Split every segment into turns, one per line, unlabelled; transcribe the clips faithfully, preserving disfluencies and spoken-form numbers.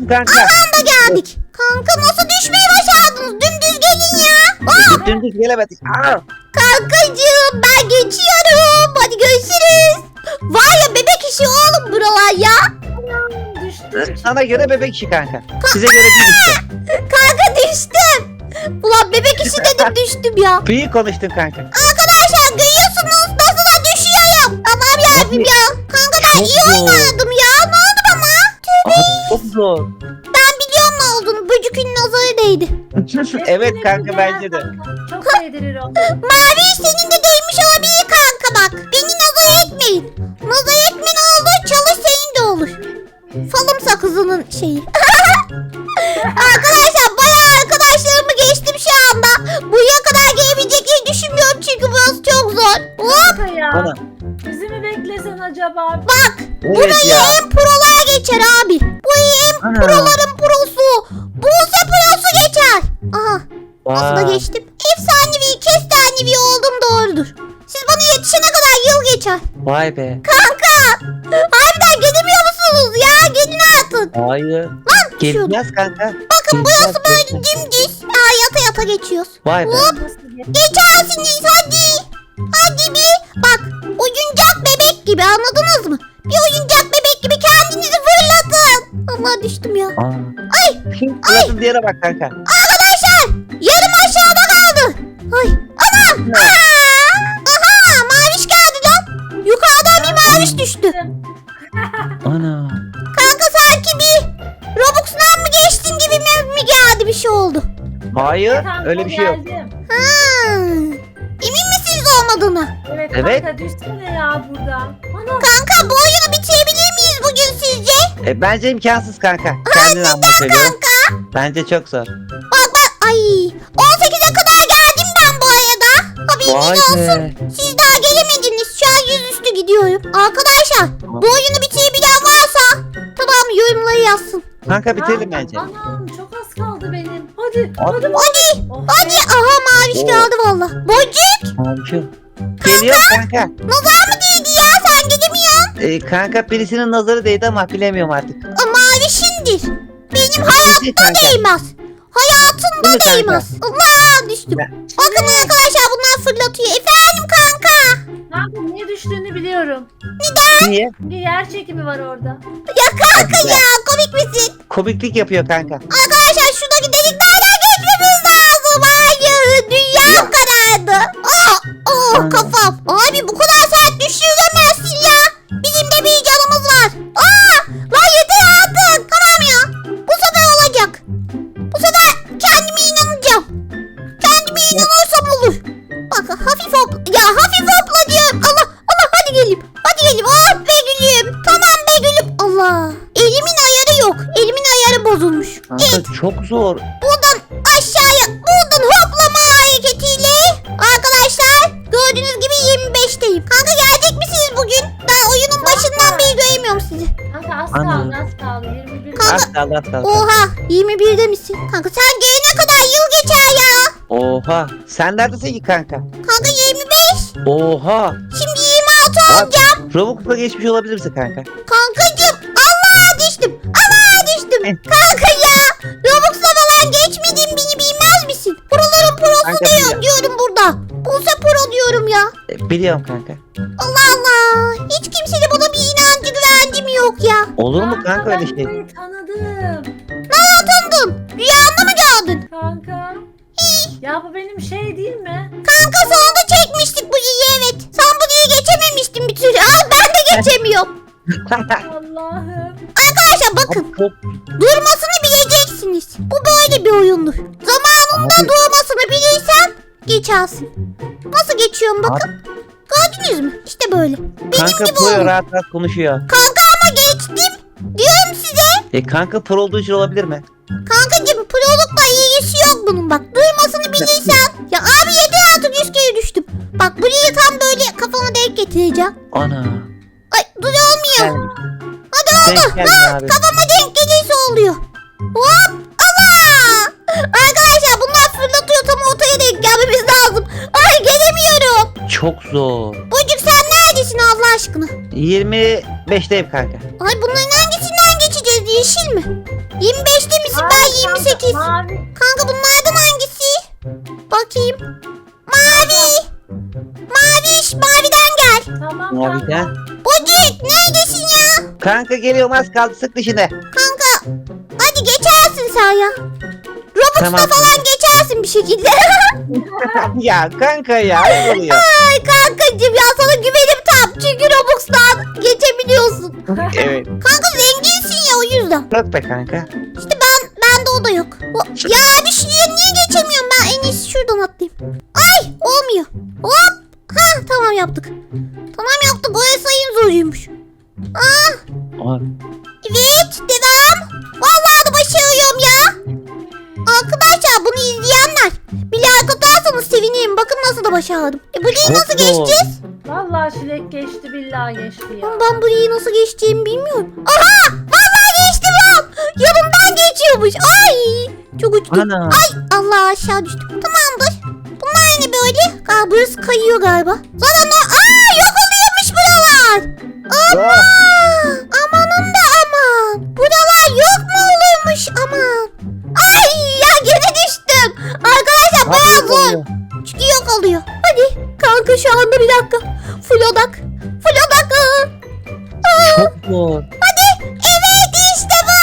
kanka.
Aha da geldik. Kanka nasıl düşmeyi başardınız? Dümdüz gelin ya. Aa,
Dümdüz gelemedik. Aa.
kankacığım ben geçiyorum. Hadi görüşürüz. Var ya bebek işi oğlum buralar ya.
Düştüm.
Sana göre bebek işi kanka. Size göre değil işte.
Kanka düştüm. Ulan bebek işi dedim düştüm ya.
İyi konuştun kanka.
Arkadaşlar görüyorsunuz nasıl da düşüyorum. Tamam yavrum ya. Kanka ben
Çok
iyi
zor.
oynadım ya. Ne oldu bana?
Abi çok zor.
Ben biliyorum ne olduğunu. Böcükün nazarı değdi.
Evet
Hepsini
kanka
bir
bence
yer
de.
kanka. Çok değdirir o.
Mavi senin de değmiş olabilir kanka bak. Beni nazar etmeyin. Nazar etmen oldu çalış senin de olur. Falım sakızının şeyi. Arkadaşlar bayağı arkadaşlarımı geçtim şu anda. Buraya kadar gelebileceklerini düşünmüyorum çünkü burası çok zor. Hop
Kanka ya.
Ana.
Bizi mi beklesen acaba?
bak.
Evet
Burayı
ya.
en prolar geçer abi. Burayı en
Ana.
proların prosu. Buse prosu geçer. Aha. Nasıl da
Vay.
geçtim? Efsanevi, kestanevi oldum doğrudur. Siz bana yetişene kadar yıl geçer.
Vay be.
Kanka! Harbiden gelemiyor musunuz ya? Gelin artık.
Hayır.
Lan şurada.
Geleceğiz kanka.
Bakın burası
Geleceğiz,
böyle
geleceğiz.
dümdüz. Aa, yata yata geçiyoruz.
Vay be.
Hop.
Nasıl geç?
Geçersiniz hadi. Hadi bir. Bak oyuncak bebek gibi anladınız mı? Bir oyuncak bebek gibi kendinizi fırlatın. Allah düştüm ya.
Aa.
Ay
Fırlatın diğere bak kanka.
arkadaşlar yarım aşağıda kaldı. Ay anam. Aa! Aha maviş geldi lan. Yukarıdan bir maviş düştü.
Ana.
Kanka sanki bir Robux'dan mı geçtin gibi mi, mi geldi bir şey oldu.
Hayır.
Kanka,
Öyle bir şey yok.
geldim.
Ha. Emin misiniz olmadığına?
Evet,
Evet.
kanka düşsene ya burada. Ana.
Kanka bu oyunu bitirebilir miyiz bugün sizce?
E, bence imkansız kanka. Kendin anla söylüyorum.
Kanka
Bence çok zor.
bak bak ay on sekize kadar geldim ben bu arada. Haberiniz
Vay
olsun.
be.
Siz daha gelemediniz. Şu an yüzüstü gidiyorum. Arkadaşlar bu oyunu bitirebilen varsa tamam yorumları yazsın.
Kanka bitirelim
Ana,
bence.
Anam çok az kaldı benim. Hadi.
Hadi.
Hadi.
Hadi
Oh,
hadi aha maviş
Oo.
geldi valla. Boncuk
Abi geliyor kanka.
nazar mı değdi ya sen gidemiyorsun.
E, kanka birisinin nazarı değdi ama bilemiyorum artık.
O mavişindir. Benim
Değil
hayatta
kanka.
değmez. Hayatında
Değil mi kanka?
değmez. Allah düştüm. Bakın arkadaşlar bunlar fırlatıyor. Efendim kanka.
Kanka niye düştüğünü biliyorum.
Niye?
Bir yer çekimi var orada.
Ya kanka ya komik misin?
Komiklik yapıyor kanka.
Arkadaşlar şuradaki deliklerden geçmemiz lazım. Hayır dünya karardı. Oh, oh
Ana.
kafam. Abi bu kadar sert düşüremezsin ya. Bizim de bir canımız var. Aa, lan yeter artık. Tamam ya. Bu sefer olacak. Bu sefer kendime inanacağım. Kendime inanırsam olur. Bak hafif hopla. Ya hafif hopla diyorum. Allah Allah hadi geleyim. Hadi geleyim. Oh be gülüm. Tamam be gülüm. Allah. Elimin ayarı yok. Elimin ayarı bozulmuş.
Kanka çok zor.
Buradan aşağıya, buradan hoplama hareketiyle arkadaşlar gördüğünüz gibi yirmi beşteyim. Kanka gelecek misiniz bugün? Ben oyunun başından beri göremiyorum sizi.
Kanka az
Ana.
kaldı az kaldı. yirmi bir.
Kanka-
Az kaldı az kaldı.
Oha yirmi birde misin? Kanka sen gelene kadar yıl geçer ya.
Oha. Sen neredesin ki kanka?
Kanka yirmi beş.
Oha.
Şimdi yirmi altı
Abi,
olacağım.
Robux'la geçmiş olabilirsin kanka.
Kankacım Allah düştüm. Allah düştüm. Kanka ya. Robux'la falan geçmediğim beni bilmez misin? Proların prosu
Kanka
diyor,
biliyorum.
diyorum burada. Buse pro diyorum ya.
E, biliyorum kanka.
Allah Allah. Hiç kimsenin bana bir inancı güvencim yok ya.
Olur mu kanka öyle
ben
şey?
burayı tanıdım.
Nereden tanıdın? Rüyanda mı gördün?
Kanka. Ya bu benim şey değil mi?
Kanka sana da çekmiştik bu iyi evet. Sen bu iyi geçememiştin bir türlü. Al ben de geçemiyorum.
Allah'ım.
Arkadaşlar bakın.
Çok
Durmasını bileceksiniz. Bu böyle bir oyundur. Zamanında
Abi.
durmasını bilirsen geçersin. Nasıl geçiyorum bakın. Gördünüz mü? İşte böyle. Benim
kanka
gibi
pro
olun.
rahat rahat konuşuyor.
Kanka ama geçtim. Diyorum size.
E kanka pro olduğu için olabilir mi?
Kankacığım prolukla ilgisi yok bunun bak. Duymasını bilirsen. Ya abi yeter artık yüz kere düştüm. Bak burayı tam böyle kafama denk getireceğim.
Ana.
Ay dur olmuyor.
Gelmiş.
Hadi oldu.
Denk geldin
Ha,
abi.
kafama denk gelirse oluyor. Hop. Allah. Arkadaşlar bunlar fırlatıyor tam ortaya denk gelmemiz lazım. Ay gelemiyorum.
Çok zor.
Bocuk sen neredesin Allah aşkına?
yirmi beşteyim kanka.
Ay bunların hangisinden geçeceğiz Kırmızı yeşil mi? yirmi beşte misin? Ben
Mavi
yirmi sekiz.
kanka, Mavi.
Kanka bunlardan hangisi? Bakayım. Mavi. Maviş maviden gel.
Tamam
Maviden.
kanka.
Bocuk neredesin ya?
Kanka geliyorum, az kaldı, sık dişine.
Kanka hadi geçersin sen ya. Robux'ta
Tamam.
falan geçersin bir şekilde.
Ya kanka ya, ne oluyor?
Ay kankacığım ya sana güvenim tam. Çünkü Robux'tan geçebiliyorsun.
Evet.
Kanka zenginsin ya o yüzden.
Yok be kanka.
İşte ben bende o da yok. O, ya bir şuraya niye geçemiyorum ben? En iyisi şuradan atlayayım. Ay olmuyor. Hop. Ha tamam yaptık. Tamam yaptık. O sayın zoruymuş. Ah
Aa,
evet devam. Vallahi da başarıyorum ya. Arkadaşlar bunu izleyenler bir like atarsanız sevinirim. Bakın nasıl da başardım. E burayı
Çok
nasıl
zor.
geçeceğiz?
Vallahi Çilek geçti billahi geçti ya.
Ama ben burayı nasıl geçeceğimi bilmiyorum. Aha! Vallahi geçtim ya. Yanımdan geçiyormuş. Ay! Çok uçtum.
ana.
Ay! Allah aşağı düştüm. Tamamdır. Bunlar ne böyle? Aa, burası kayıyor galiba. Zaten o... Aa! Yok oluyormuş buralar. Ama!
Oh,
Amanın da aman. Buralar yok mu olurmuş aman. Ay! Ya gene düştüm. Arkadaşlar bayağı
nasıl
zor.
oluyor?
Çünkü yok oluyor. Hadi kanka şu anda bir dakika. Full odak. Full odak. Aa. Aa.
Çok zor.
Hadi. Evet işte bu.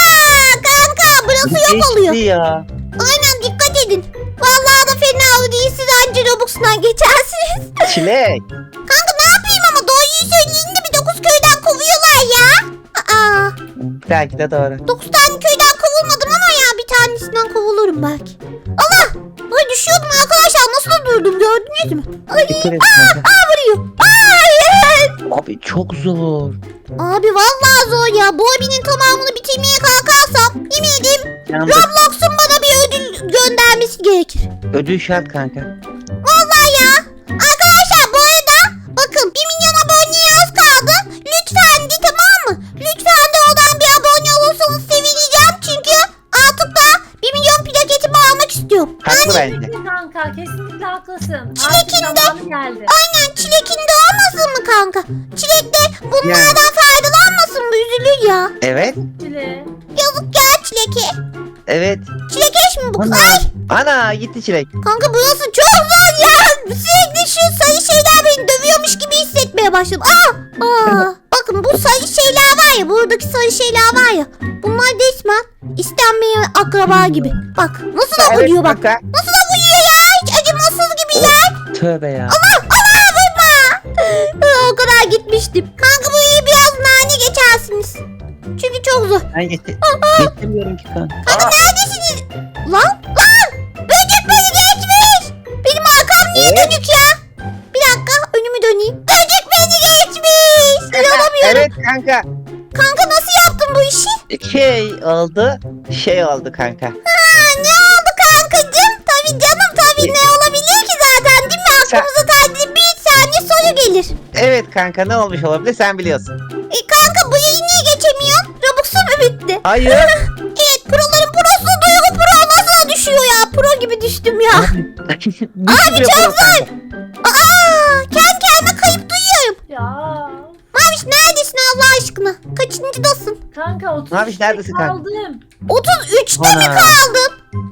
Kanka burası yok oluyor.
Geçti ya.
Aynen dikkat edin. Vallahi da fena değil. Siz anca Robux'dan geçersiniz.
Çilek.
Kanka ne yapayım ama doğruyu söyleyeyim de bir dokuz köyden kovuyorlar ya. Aa,
Belki de doğru.
dokuz tane köyden kovulmadım ama ya bir tanesinden kovulurum belki. Allah! Ay düşüyordum arkadaşlar. Nasıl da durdum gördünüz mü? Ay,
Dikkat et
aa,
kanka.
aa vuruyor. Hayır.
Abi çok zor.
Abi vallahi zor ya. Bu abinin tamamını bitirmeye kalkarsam yemin edeyim
Yandık.
Roblox'un bana bir ödül göndermesi gerekir.
Ödül şart kanka.
Vallahi ya. Arkadaşlar bu arada bakın bir milyon aboneye az kaldı. Lütfen de tamam mı? Lütfen de oradan bir abone olursanız sevineceğim. Çünkü artık da bir milyon plaketimi almak istiyorum.
Haklı bence.
Kesinlikle kanka kesinlikle haklısın.
Çilek'in
Artık
de-
zamanı geldi.
Aynen çilekin de olmasın mı kanka? Çilek de bunlardan faydalanmasın mı? Üzülür ya.
Evet.
Çilek.
Yazık ya çileke.
Evet.
Çilekeş mi bu kız?
Ana.
Ay
Ana gitti Çilek.
kanka burası çok zor ya. Sürekli şu sarı şeyler beni dövüyormuş gibi hissetmeye başladım. Aa, aa. Bakın bu sarı şeyler var ya. Buradaki sarı şeyler var ya. Bunlar resmen istenmeyen akraba gibi. Bak nasıl da
Evet
vuruyor bak.
kanka.
Nasıl da vuruyor ya. Hiç acımasız gibi ya.
Tövbe ya.
Allah Allah vurma. Aa, o kadar gitmiştim. Kanka bu iyi biraz nane geçersiniz. Çünkü çok zor.
Ben geçti. Geçemiyorum ki kanka.
Kanka neredesiniz? Lan lan. Böcek beni geçmiş. Benim arkam niye
Evet.
dönük ya? Bir dakika önümü döneyim. Böcek beni geçmiş. İnanamıyorum.
Evet kanka.
Kanka nasıl yaptın bu işi?
Şey oldu. Şey oldu kanka.
Ha, ne oldu kankacığım? Tabii canım tabii ne olabilir ki zaten değil mi?
Sen-
Aklımıza sadece bir saniye soru gelir.
Evet kanka, ne olmuş olabilir sen biliyorsun.
E kanka bu yayı niye geçemiyorsun? Robux'u mu bitti?
Hayır.
Evet proların prosu Duygu Pro nasıl düşüyor ya? Pro gibi düştüm ya.
Abi
çok zor. Aa, kendi kendime kayıp duyuyorum.
Ya.
Maviş neredesin Allah aşkına? Kaçıncıdasın?
Kanka otuz
Maviş, neredesin kanka?
kaldım.
otuz üçte mi
Ana.
kaldın?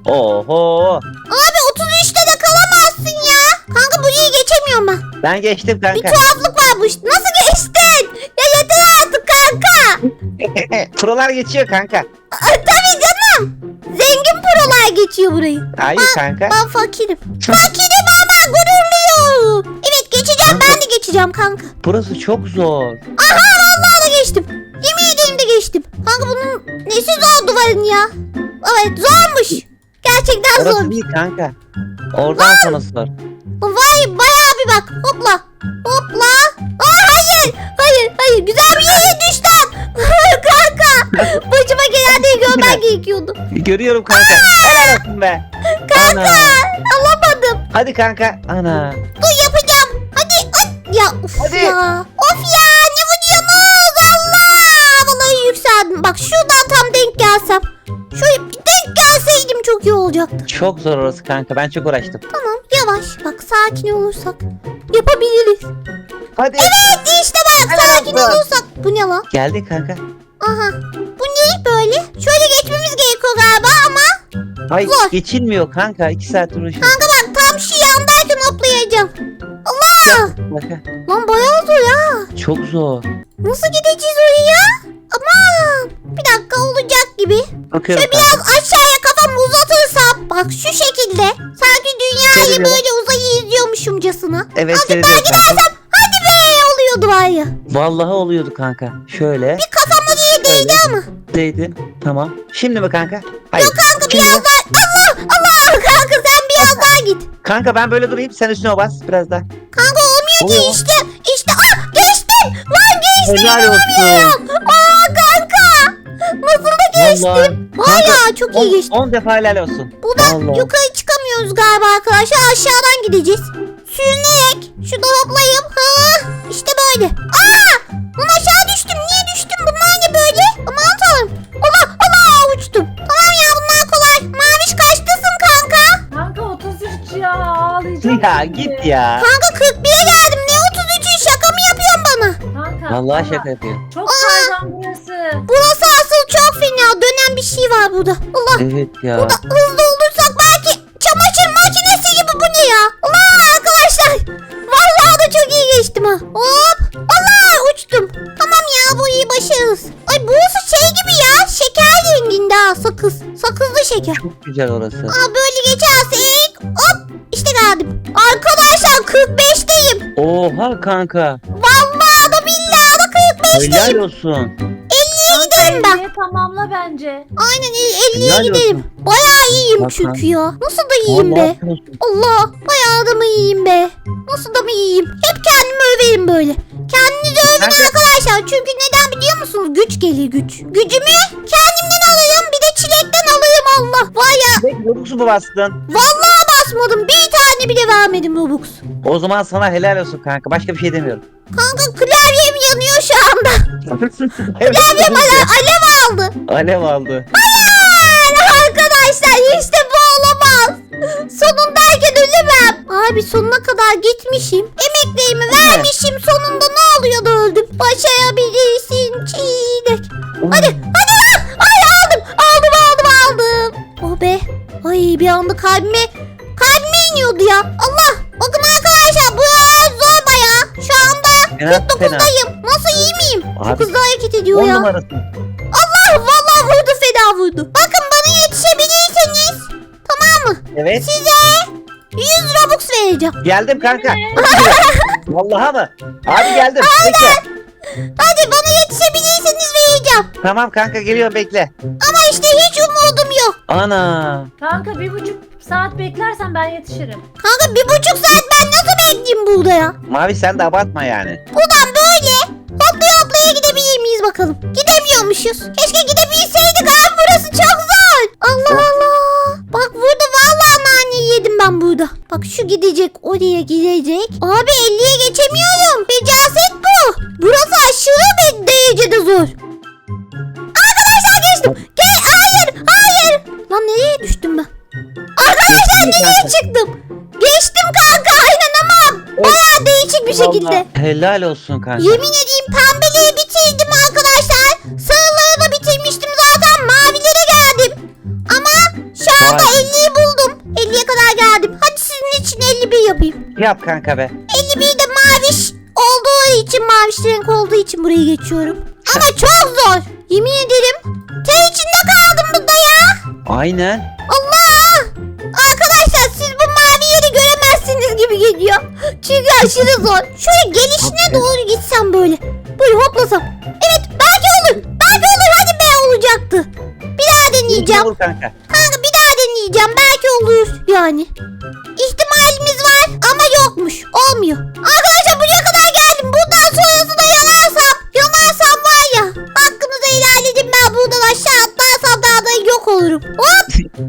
Oho.
Abi otuz üçte de kalamazsın ya. Kanka burayı geçemiyorum ben.
Ben geçtim
Bir
kanka.
tuhaflık var bu işte. Nasıl geçtin? Ya yeter artık kanka.
Prolar geçiyor kanka.
Aa, tabii canım. Zengin prolar geçiyor burayı.
Hayır kanka.
Ben fakirim. Fakirim ama gururluyum. Evet geçeceğim ben de geçeceğim kanka.
Burası çok zor.
Aha vallahi da geçtim. Yemin ederim de geçtim. Kanka bunun nesi zor duvarın ya? Evet zormuş. Gerçekten
Orası
zor.
değil kanka. Oradan sonrası zor.
Vay bayağı bir bak. Hopla. Hopla. Aa hayır. Hayır hayır. Güzel bir yere düştüm. Kanka. Başıma gelenleri görmen gerekiyordu.
Görüyorum kanka. Helal olsun be.
Kanka.
Ana.
Alamadım.
Hadi kanka. Ana.
Dur yapacağım. Hadi. Ay. Ya of
Hadi.
ya. Of ya. Ne vuruyorsunuz? Allah. Vallahi yükseldim. Bak şuradan tam denk gelsem. Şöyle bir denk gelseydim çok iyi olacaktı.
Çok zor orası kanka. Ben çok uğraştım.
Tamam yavaş. Bak sakin olursak yapabiliriz.
Hadi.
Evet işte bak
Helal
sakin
olsun.
olursak. Bu ne lan?
Geldin kanka.
Aha. Bu ne ne böyle? Şöyle geçmemiz gerekiyor galiba ama.
Hayır
Zor.
geçilmiyor kanka. iki saat uğraşıyorum.
Kanka bak tam şu yandayken hoplayacağım. Allah!
Kanka,
Lan bayağı zor ya.
çok zor.
Nasıl gideceğiz oraya? Aman. Bir dakika olacak gibi.
Bakıyorum
Şöyle
kanka.
biraz aşağıya kafamı uzatırsam. Bak şu şekilde. Sanki dünyayı
Seviyorum.
böyle uzayı izliyormuşumcasına.
Evet
Azıcık daha
seviyorum kanka.
gidersem hadi be oluyordu var ya.
Vallahi oluyordu kanka. Şöyle.
Bir kafama diye değdi ama.
Değdi. Tamam. Şimdi mi kanka? Hayır.
Yok kanka
Şimdi
biraz
mi?
daha. Allah Allah kanka sen biraz daha git.
Kanka ben böyle durayım. Sen üstüne bas biraz daha.
Kanka olmuyor ki
Oluyor.
işte. İşte ah geçtim. Lan geçtim.
Helal olsun.
Aa kanka. Nasıl da geçtim.
Vallahi.
Vay
Kanka,
ya çok iyi geçtim.
on defa helal olsun.
Buradan
Vallahi.
yukarı çıkamıyoruz galiba arkadaşlar. Aşağıdan gideceğiz. Sürünerek. Şurada hoplayayım. Ha, işte böyle. Aa! Lan aşağı düştüm. Niye düştüm? Bunlar ne böyle? Aman tanrım. Allah Allah uçtum. Tamam ya bunlar kolay. Maviş kaçtasın kanka?
Kanka otuz üç ya ağlayacağım.
Ya
şimdi.
git ya.
Kanka kırk bire geldim. Ne otuz üçü şaka mı yapıyorsun bana?
Kanka.
Vallahi
ama
şaka yapıyor.
Çok kaygan burası.
Burası asıl çok fena. Dönen bir şey var burada. Allah.
Evet ya.
Burada hızlı olursak belki çamaşır makinesi gibi bu ne ya? Allah arkadaşlar. Vallahi da çok iyi geçtim ha. Hop. Allah uçtum. Tamam ya bu iyi başarırız. Ay burası şey gibi ya. Şeker renginde ha sakız. Sakızlı şeker.
Çok güzel orası.
Aa böyle geçersek hop işte geldim. Arkadaşlar kırk beşteyim.
Oha kanka.
Vallahi da billahi da kırk beşteyim.
Helal olsun.
elliye giderim ben.
elliye tamamla bence.
Aynen elliye
Helal
giderim.
olsun.
Bayağı iyiyim
Bak
çünkü ya. Nasıl da iyiyim be.
Vallahi helal olsun.
Allah bayağı da mı iyiyim be. Nasıl da mı iyiyim. Hep kendimi överim böyle. Kendinizi övün
Kanka-
arkadaşlar. Çünkü neden biliyor musunuz? Güç gelir güç. Gücümü kendimden alırım. Bir de çilekten alırım Allah. Var ya
Peki Robux'u mu bastın?
vallahi basmadım. Bir tane bile vermedim Robux.
O zaman sana helal olsun kanka. Başka bir şey demiyorum.
Kanka klavyem yanıyor şu anda. Klavyem
Evet.
ale alev aldı.
Alev aldı.
Hayır arkadaşlar işte bu olamaz. Sonundayken ölemem. Abi sonuna kadar gitmişim. Emeklerimi vermişim. Sonunda ne oluyor da öldüm. Başarabilirsin çiğnek. Hadi hadi lan. Ay aldım. Aldım aldım aldım. Oh be. Ay bir anda kalbime kalbime iniyordu ya. Allah. Bakın arkadaşlar bu zor baya. Şu anda
Fena,
kırk dokuzdayım. Nasıl iyi miyim? Çok
Abi,
hızlı hareket ediyor
On
ya.
numarasın.
Allah vallahi vurdu fena vurdu. Bakın bana yetişebilirseniz tamam mı?
Evet.
Size yüz Robux vereceğim.
Geldim kanka. Vallahi mı? Abi geldim. Bekle.
Hadi bana yetişebilirseniz vereceğim.
Tamam kanka geliyorum bekle.
Ama işte hiç umudum yok.
Ana.
Kanka bir buçuk saat beklersen ben yetişirim.
Kanka bir buçuk saat ben nasıl bekleyeyim burada ya?
Mavi sen de abartma yani.
Buradan böyle hoplaya hoplaya gidebilir miyiz bakalım? Gidemiyormuşuz. Keşke gidebilseydik abi burası çok zor. Allah Allah. Bak burada vallahi nane yedim ben burada. Bak şu gidecek oraya gidecek. Abi elliye geçemiyorum. Becaset bu. Burası aşırı bir derecede zor. Arkadaşlar geçtim. Gel hayır hayır. Lan nereye düştüm ben? Arkadaşlar
Geçtin mi
nereye
kanka?
çıktım? Geçtim kanka aynen ama bayağı değişik bir şekilde.
Vallahi helal olsun kanka.
Yemin edeyim pembeleri bitirdim arkadaşlar. Sarıları da bitirmiştim zaten. Mavilere geldim. Ama şu anda
Vay.
elliyi buldum. elliye kadar geldim. Hadi sizin için elli bir yapayım.
Yap kanka be.
elli bir de maviş olduğu için, maviş renk olduğu için burayı geçiyorum. Ama çok zor. Yemin ederim. Ter içinde kaldım burada ya.
Aynen.
Allah! Arkadaşlar siz bu mavi yeri göremezsiniz gibi geliyor. Çünkü aşırı zor. Şöyle gelişine
Aferin.
doğru gitsem böyle. Böyle hoplasam. Evet belki olur. Belki olur hadi be olacaktı. Bir daha deneyeceğim.
Olur kanka.
Kanka bir daha deneyeceğim. Belki olur yani. İhtimalimiz var ama yokmuş. Olmuyor. Arkadaşlar buraya kadar geldim. Buradan sonrası da yanarsam. Yanarsam var ya. Hakkınızı helal edin ben buradan aşağı atlarsam daha da yok olurum. Hop.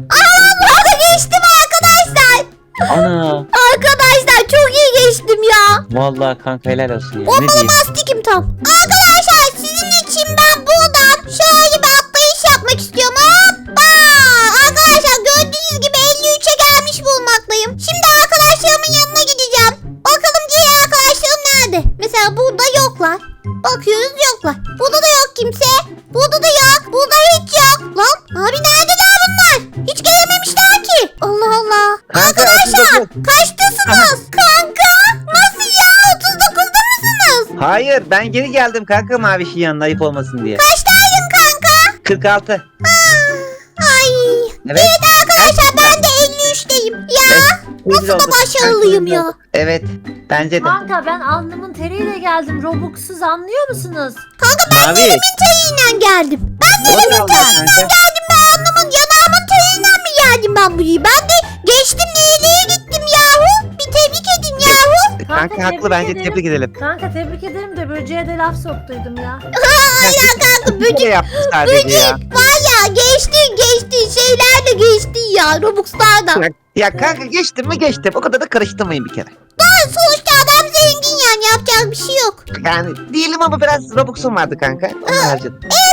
Aa da geçtim arkadaşlar.
Ana.
Arkadaşlar çok iyi geçtim ya.
Vallahi kanka helal olsun ya. Ne
Bombalı
diyeyim?
mastikim tam. Arkadaşlar sizin için ben buradan şöyle bir atlayış yapmak istiyorum. Hoppa. Arkadaşlar gördüğünüz gibi elli üçe gelmiş bulunmaktayım. Şimdi arkadaşlarımın yanına gideceğim. Bakalım diğer arkadaşlarım nerede? Mesela burada yoklar. Bakıyoruz yoklar. Burada da yok kimse. Burada da yok. Burada hiç
Hayır ben geri geldim kanka Maviş'in yanına ayıp olmasın diye.
Kaçtaydın kanka?
kırk altı.
Ay.
Evet.
Evet arkadaşlar ben de elli üçteyim. Ya nasıl da başarılıyım ya.
Evet bence de.
Kanka ben alnımın teriyle geldim. Robux'suz anlıyor musunuz?
Kanka ben
Mavi.
elimin teriyle geldim. Ben de
Doğru
elimin
aldın
teriyle
kanka.
geldim. Ben alnımın yanağımın teriyle mi geldim ben buraya? Ben de geçtim nereye gittim yahu. Bir tebrik edin yahu.
Kanka haklı
tebrik
bence
ederim.
tebrik edelim.
Kanka tebrik ederim de böceğe de laf soktuydum ya.
Hala kanka
Bir kere
böcek.
yaptı sadece ya.
Böcek var ya geçtin geçtin şeyler de geçtin ya Robux'lar da.
Ya, ya kanka geçtim mi geçtim. O kadar da karıştırmayın bir kere.
Daha sonuçta adam zengin yani yapacak bir şey yok.
Yani değilim ama biraz Robux'um vardı kanka. Onu harcadım.
E